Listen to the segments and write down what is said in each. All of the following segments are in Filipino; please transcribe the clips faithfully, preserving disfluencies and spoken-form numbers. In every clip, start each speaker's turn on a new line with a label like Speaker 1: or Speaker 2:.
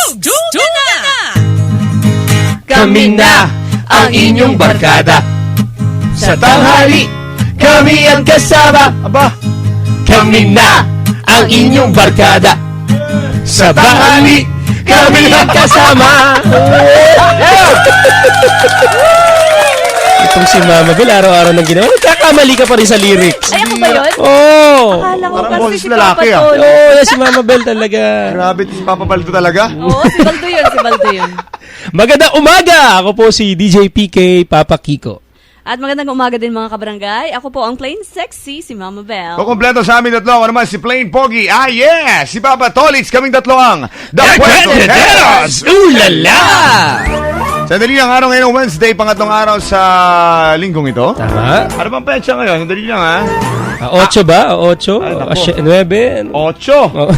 Speaker 1: Tugtugan na!
Speaker 2: Kami na ang inyong barkada. Sa tanghali, kami ang kasama. Aba, kami na ang inyong barkada. Sa tanghali, kami ang kasama. Itong si Mama Bel, araw-araw nang ginawa. Nagkakamali ka pa rin sa lyrics.
Speaker 1: Ay, ako ba yun?
Speaker 2: Oo. Oh.
Speaker 1: Akala ko
Speaker 3: Parang
Speaker 1: kasi
Speaker 3: boses
Speaker 1: si
Speaker 3: lalaki,
Speaker 1: Papa
Speaker 3: ah.
Speaker 1: Tol.
Speaker 2: Oo, oh, si Mama Bel talaga.
Speaker 3: Grabe, si Papa Baldo talaga.
Speaker 1: Oo, si Baldo yun, si Baldo yun.
Speaker 2: Magandang umaga! Ako po si D J P K, Papa Kiko.
Speaker 1: At magandang umaga din mga kabarangay. Ako po ang plain sexy, si Mama Bel.
Speaker 3: Kukumpleto sa amin tatlo. Ako naman si Plain Pogi. Ah, yeah! Si Papa Tolits. Kaming tatlo ang The Cuenteros!
Speaker 2: Ulala!
Speaker 3: Sandali lang araw ngayon, Wednesday, pangatlong araw sa linggong ito.
Speaker 2: Tama?
Speaker 3: Ano bang petsa ngayon? Sandali lang, ha?
Speaker 2: Ah, ocho ba? Ocho?
Speaker 3: Ay, nako.
Speaker 2: Ah, sy- nuebe?
Speaker 3: Ocho.
Speaker 2: Oh.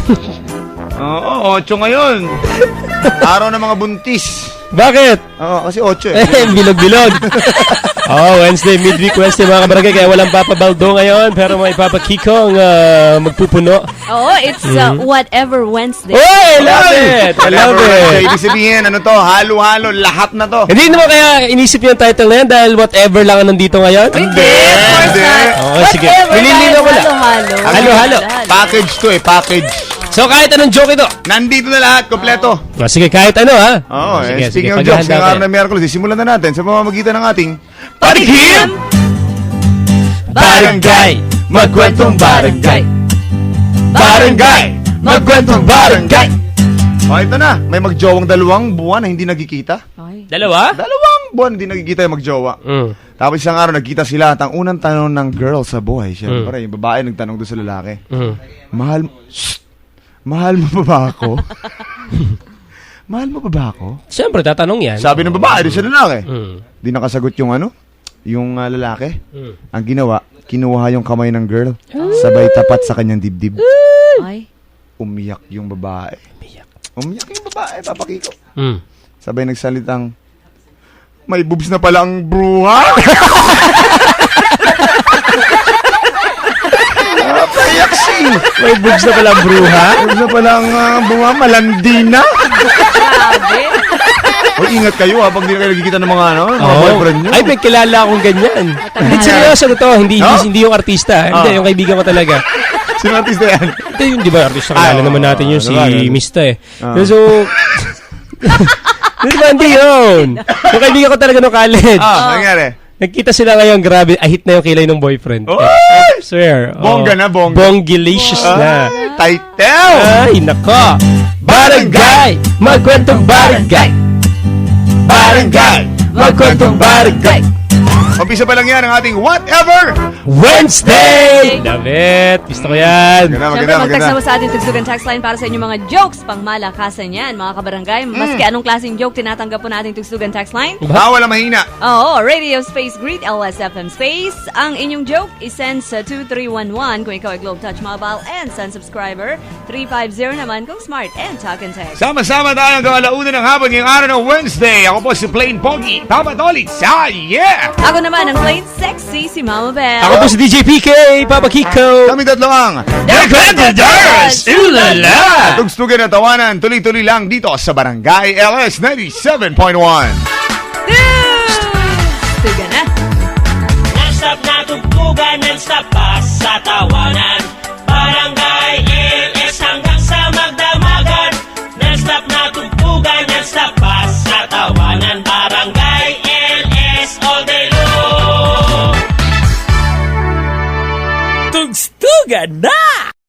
Speaker 3: Oo, ocho ngayon. Araw ng mga buntis.
Speaker 2: Bakit?
Speaker 3: Oo, kasi ocho eh.
Speaker 2: Eh, bilog-bilog. Oh, Wednesday, midweek Wednesday mga kabarangay. Kaya walang Papa Baldo ngayon. Pero may Papa Kiko ang uh, magpupuno.
Speaker 1: Oo, it's uh, whatever Wednesday.
Speaker 2: Oh, I love it! I love it!
Speaker 3: Ibig sabihin, ano to? Halo-halo, lahat na to.
Speaker 2: Hindi naman kaya inisip yung title na yan dahil whatever lang ang nandito ngayon?
Speaker 1: Hindi, of course
Speaker 3: Hindi.
Speaker 1: not.
Speaker 2: Oo, sige.
Speaker 1: Whatever,
Speaker 2: Nililinaw ko lang.
Speaker 1: halo-halo.
Speaker 2: Halo-halo.
Speaker 3: Package to eh, package.
Speaker 2: So kahit anong joke ito.
Speaker 3: Nandito na lahat, kompleto.
Speaker 2: Oh, sige, kahit ano ha.
Speaker 3: Oo,
Speaker 2: sige,
Speaker 3: eh,
Speaker 2: sige,
Speaker 3: speaking of jokes,
Speaker 2: paghahanda
Speaker 3: ngayong araw
Speaker 2: tayo.
Speaker 3: na Miyerkules, simulan na natin sa pamamagitan ng ating
Speaker 2: Parikim! Barangay, magkwentong barangay. Barangay, magkwentong barangay.
Speaker 3: Oh, ito na. May magjowang dalawang buwan na hindi nagkikita.
Speaker 1: Ay.
Speaker 2: Dalawa?
Speaker 3: Dalawang buwan hindi nagkikita yung magjowa.
Speaker 2: Mm.
Speaker 3: Tapos isang araw nagkita sila at ang unang tanong ng girl sa buhay, syempre, yung babae nagtanong doon sa lalaki.
Speaker 2: Mm.
Speaker 3: Mahal, Shh! Mahal mo ba ba ako? Mahal mo ba ba ako?
Speaker 2: Siyempre, tatanong yan.
Speaker 3: Sabi ng babae doon sa lalaki.
Speaker 2: Mm.
Speaker 3: Di nakasagot yung ano, yung uh, lalaki.
Speaker 2: Mm.
Speaker 3: Ang ginawa, kinuha yung kamay ng girl, sabay tapat sa kanyang dibdib.
Speaker 1: Ay.
Speaker 3: Umiyak yung babae.
Speaker 2: Umiyak.
Speaker 3: Umiyak yung babae, Papa Kiko.
Speaker 2: Mm.
Speaker 3: Sabay nagsalitang, may boobs na pala ang bruha. Napayak si.
Speaker 2: May boobs na pala ang bruha.
Speaker 3: Boobs na pala ang uh, bunga, malandi na.
Speaker 1: Grabe.
Speaker 3: O ingat kayo ha, pag di na kayo nagkikita ng mga, ano, mga
Speaker 2: Oo.
Speaker 3: boyfriend nyo.
Speaker 2: Ay, may kilala akong ganyan. Hindi, seryoso na to. Hindi, hindi,
Speaker 3: Oh?
Speaker 2: hindi yung artista. Hindi,
Speaker 3: Oh.
Speaker 2: yung kaibigan ko talaga.
Speaker 3: Sino artista yan?
Speaker 2: Hindi, yung di ba, artista
Speaker 3: Ah,
Speaker 2: kilala
Speaker 3: oo,
Speaker 2: naman natin yun,
Speaker 3: oo,
Speaker 2: si
Speaker 3: diba?
Speaker 2: Mista eh.
Speaker 3: Ah.
Speaker 2: So, di ba, hindi yun. Yung kaibigan ko talaga nung college.
Speaker 3: Ah, nangyari.
Speaker 2: Nagkita sila ngayon, grabe, ahit na yung kilay ng boyfriend.
Speaker 3: Oy!
Speaker 2: I swear. oh.
Speaker 3: Bongga na, bongga.
Speaker 2: Bonggilicious na.
Speaker 3: Ay, title!
Speaker 2: Ay, nako. Barangay, magkwentong barangay. Barangay, magkwentong barangay.
Speaker 3: Umpisa pa lang yan ang ating Whatever!
Speaker 2: Wednesday! Love it. Gusto ko yan.
Speaker 3: Maganda,
Speaker 1: Siyempre,
Speaker 3: maganda,
Speaker 1: mag-text
Speaker 3: maganda.
Speaker 1: naman sa ating Tugsugan text line para sa inyong mga jokes pang malakasan yan, mga kabarangay. Maski anong klaseng joke, tinatanggap po nating Tugsugan text line.
Speaker 3: Bawal ang mahina.
Speaker 1: Oo, Radio Space Greet, L S F M Space. Ang inyong joke, isend sa two three one one kung ikaw ay Globe Touch Mobile and Sun subscriber. three five zero naman kung Smart and Talk and Text.
Speaker 3: Sama-sama tayo hanggang alauna ng hapon ngayong araw ng Wednesday. Ako po si Plain Pogi. Tama Tolits. Ah, yeah!
Speaker 1: Ako naman ang plain sexy, si Mama Bel.
Speaker 2: Ako po si D J P K, Papa Kiko.
Speaker 3: Kami tatlo ang
Speaker 1: The Cuenteros!
Speaker 2: Ulala!
Speaker 3: Tugstugan at tawanan. Tuloy-tuloy lang dito sa Barangay L S ninety-seven point one.
Speaker 1: Tugsugan na.
Speaker 4: Non-stop na tugtugan, non-stop pa sa tawanan. Barangay L S hanggang sa magdamagan. Non-stop na tugtugan, non-stop pa sa tawanan. Barangay L S all day long.
Speaker 1: Tugstugan na!